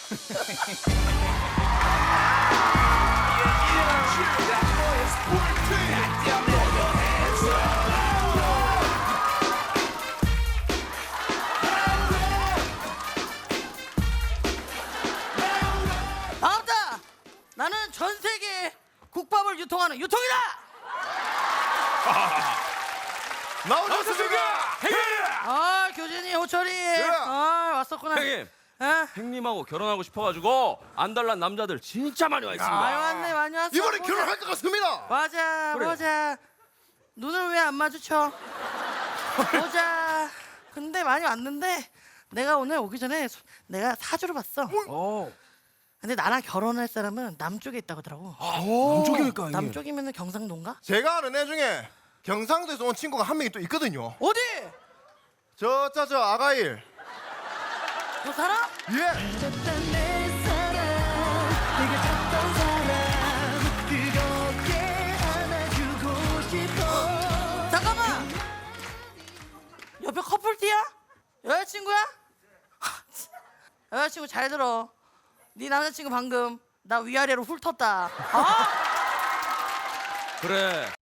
반갑다. 나는 전 세계 국밥을 유통하는 유통이다. 나오셨습니까? 아 교진이 호철이. 아 왔었구나. 형님, 아, 형님하고 결혼하고 싶어가지고 안달난 남자들 진짜 많이 와 있습니다. 많이 왔네 많이 왔어. 이번에 보자. 결혼할 것 같습니다. 맞아 그래. 보자. 눈을 왜 안 마주쳐? 보자. 근데 많이 왔는데 내가 오늘 오기 전에 내가 사주를 봤어. 오, 근데 나랑 결혼할 사람은 남쪽에 있다고 하더라고. 남쪽일까 형님? 남쪽이면 경상도인가? 제가 아는 애 중에 경상도에서 온 친구가 한 명이 또 있거든요. 어디? 저 아가일. 그 사람? 예. 잠깐만. 옆에 커플티야? 여자친구야? 여자친구 잘 들어. 네 남자친구 방금 나 위아래로 훑었다. 어? 그래,